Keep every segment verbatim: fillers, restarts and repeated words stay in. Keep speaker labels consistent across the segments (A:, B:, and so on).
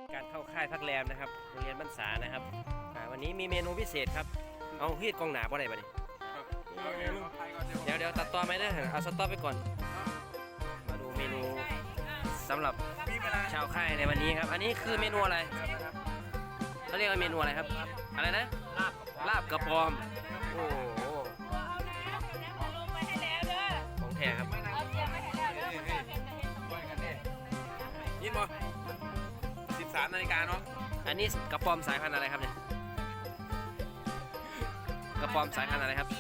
A: การเข้าค่ายพักแรมนะครับโรงเรียนบ้านสานะครับวันนี้มีเมนูพิเศษครับเอาฮีดกองหนาบ่ได้บ่ดิเดี๋ยวเดี๋ยวตัดต่อไหมเด้อเอาสต็อปไปก่อนมาดูเมนูสำหรับชาวค่ายในวันนี้ครับอันนี้คือเมนูอะไรเขาเรียกว่าเมนูอะไรครับอะไรนะลาบกระปอมโอ้โหของแท้ครับ
B: ยินบ่สิบสามนาฬิกาเนาะ
A: อันนี้กระปอมสายพันธุ์อะไรครับเนี่ยกระปอมสายพันธุ์อะไรครับ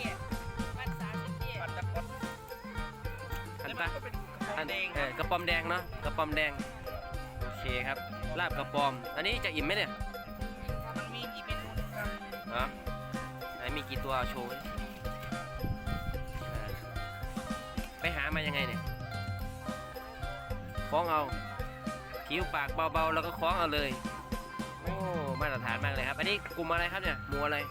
A: พันตะอันเออกระปอมแดงเนาะกระปอมแดงโอเคครับลาบกระปอมอันนี้จะอิ่มไหมเนี่ย
C: มันมีกี่เมนูครับ
A: อ๋อไหนมีกี่ตัวโชว์ไปหามายังไงเนี่ยคล้องเอาผิวปากเบาๆแล้วก็คล้องเอาเลยโอ้มาตรฐานมากเลยครับอันนี้กลุ่มอะไรครับเนี่ยหมูอะไร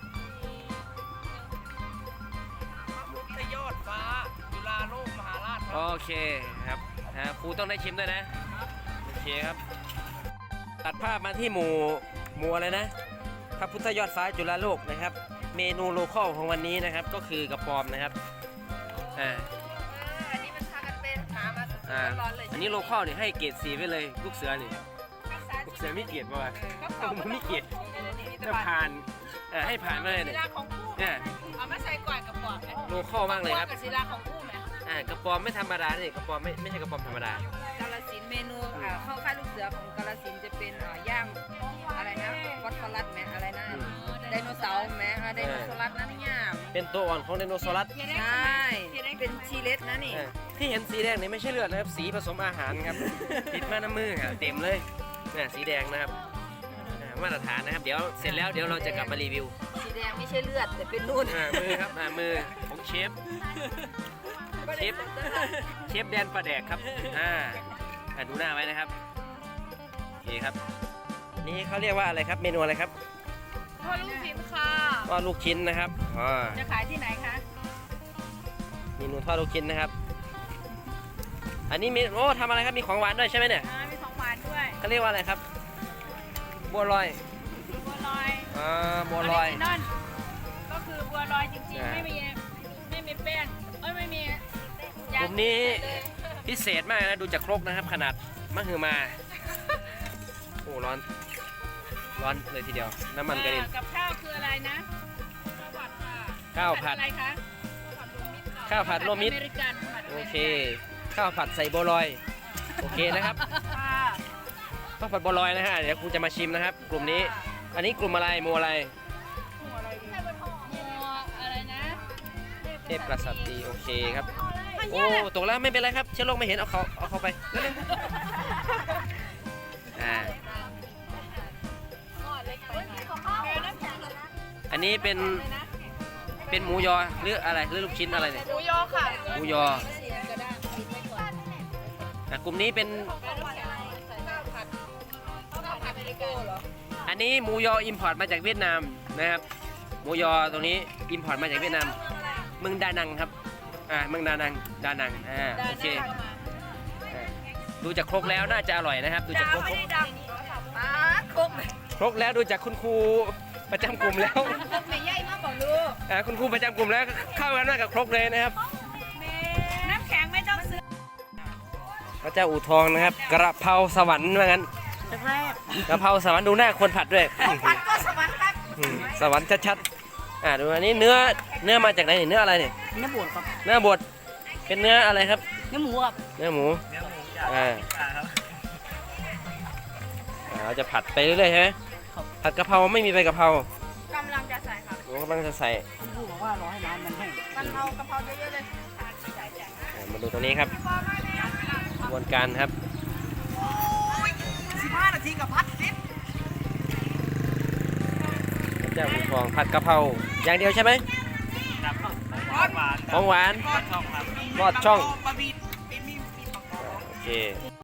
C: พระยอดฟ้าจุฬาโลกมหาราช
A: โอเคครับครูต้องได้ชิมด้วยนะโอเคครับตัดภาพมาที่หมูหมูอะไรนะพระพุทธยอดฟ้าจุฬาโลกนะครับเมนูโลคอลของวันนี้นะครับก็คือกระปอมนะครับอ่า
C: อันนี้มันพากันเป็นหามาร้อนเลย
A: อันนี้โลคอลเนี่ยให้เกรดสีไปเลยลูกเสือนี่ลูกเสือไม่เกรดป่ะผมไม่เกรดจะผ่านให้ผ่านมาเลยเนี่ยเนี่ย
C: เอามาใส่ก่อนกระป๋อง
A: โลคอลมากเลยครับ
C: กระสีลาของคู่ไหม
A: อ่ากระปอมไม่ธรรมดาเนี่ยกระปอมไม่ไม่ใช่กระปอมธรรมด
C: ากาฬสินธุ์เมนูเข้าค่ายลูกเสือของกาฬสินธุ์จะเป็นย่างอะไรนะฟอสฟอรัสไหมอะไรนะไดโนเสาร์ไหมไดโนเสาร์นั่นเนี่ย
A: เป็นตัวอ่อนของไดโนเสาร์
C: ใช่เป็นชีเลสนะนี่
A: ที่เห็นสีแดงนี่ไม่ใช่เลือดนะครับสีผสมอาหารครับติดมาน้ำมือครับเต็มเลยเนี่ยสีแดงนะครับมาตรฐานนะครับเดี๋ยวเสร็จแล้วเดี๋ยวเราจะกลับมารีวิว
C: สีแดงไม่ใช่เลือดแต่เป็นนุ่น
A: มือครับมือของเชฟเชฟเชฟแดนปลาแดกครับอ่าดูหน้าไว้นะครับโอเคครับนี่เขาเรียกว่าอะไรครับเมนูอะไรครับ
C: ทอดลูกชิ้นค่ะ
A: ทอดลูกชิ้นนะครับอ๋อ
C: จะขายที่ไหนคะ
A: เมนูทอดลูกชิ้นนะครับอันนี้มีโอ้ทำอะไรครับมีของหวานด้วยใช่ไหมเนี่ย
C: มีของหวานด้วย
A: เขาเรียกว่าอะไรครับบัวลอย
C: บัวลอย
A: อ่าบัวลอย
C: นั่นก็คือบัวลอยจริงๆไม่มีไม่มีแป้งเอ้ยไม่มี
A: กลุ่มนี้พิเศษมากนะดูจากครกนะครับขนาดมะฮือมาโอ้ร้อนร้อนเลยทีเดียวน้ำมันกระเด็น
C: กับข้าวคืออะไรนะ
A: ข้าวผัด
C: อะไรคะ
A: ข้าวผัดโรมิตโอเคข้าวผัดใส่บัวลอยโอเคนะครับข้าวผัดบัวลอยนะฮะเดี๋ยวครูจะมาชิมนะครับกลุ่มนี้อันนี้กลุ่มอะไรหมู่อะไร
C: อะไรนะ
A: เทพกษัตริย์โอเคครับโอ้ตกแล้วไม่เป็นไรครับเชื้อโรคไม่เห็นเอาเขาเอาเขาไปอ่าอันนี้เป็นเป็นหมูยอหรืออะไรหรือลูกชิ้นอะไรเนี่ย
C: หมูยอค่ะ
A: หมูยออ่ะกลุ่มนี้เป็นอันนี้หมูยออิมพอร์ตมาจากเวียดนามนะครับหมูยอตรงนี้อิมพอร์ตมาจากเวียดนามเมืองดานังครับอ่าเมืองดานังดานังอ่าโอเคดูจากครกแล้วน่าจะอร่อยนะครับดูจากครกครกแล้วดูจากคุณครูประจำกลุ่มแล้ว
C: ไม่ใหญ่มากบอกลูก
A: อ่าคุณครูประจำกลุ่มแล้วเข้ากันมากกับครกเลยนะครับ
C: น้ำแข็งไม่ต้องซื้อ
A: พระเจ้าอู่ทองนะครับกระเพราสวรรค์ว่างั้นกระเพราสวรรค์ดูหน้าคนผัดด้วย
C: ผัดก็สวรรค์ครับ
A: สวรรค์ชัดๆอ่าดูอันนี้เนื้อเนื้อมาจากไหนเนื้ออะไรเนี่ย
C: เนื้อบดครับ
A: เนื้อบดเป็นเนื้ออะไรครับ
C: เนื้อหมูครับ
A: เนื้อหมูอ่าเราจะผัดไปเรื่อยๆใช่ไหมผัดกะเพราไม่มีใบกะเพราก
C: ำลังจะใส่ครับ
A: กำลังจะใส่
C: คุณครูบอกว่ารอให้น้ำมันแห้งมันเอากะเพราเยอะๆเลย
A: มาดูตรงนี้ครับกระบวนการครับ
C: สิบห้านาทีกับพัดสิบ
A: เจ้าทองผัดกะเพราอย่างเดียวใช่ไหม
B: ของหวาน
A: ของหวาน
B: ทอดช่องครับ
A: ทอดช่อง
B: บะหมี่
A: โอเค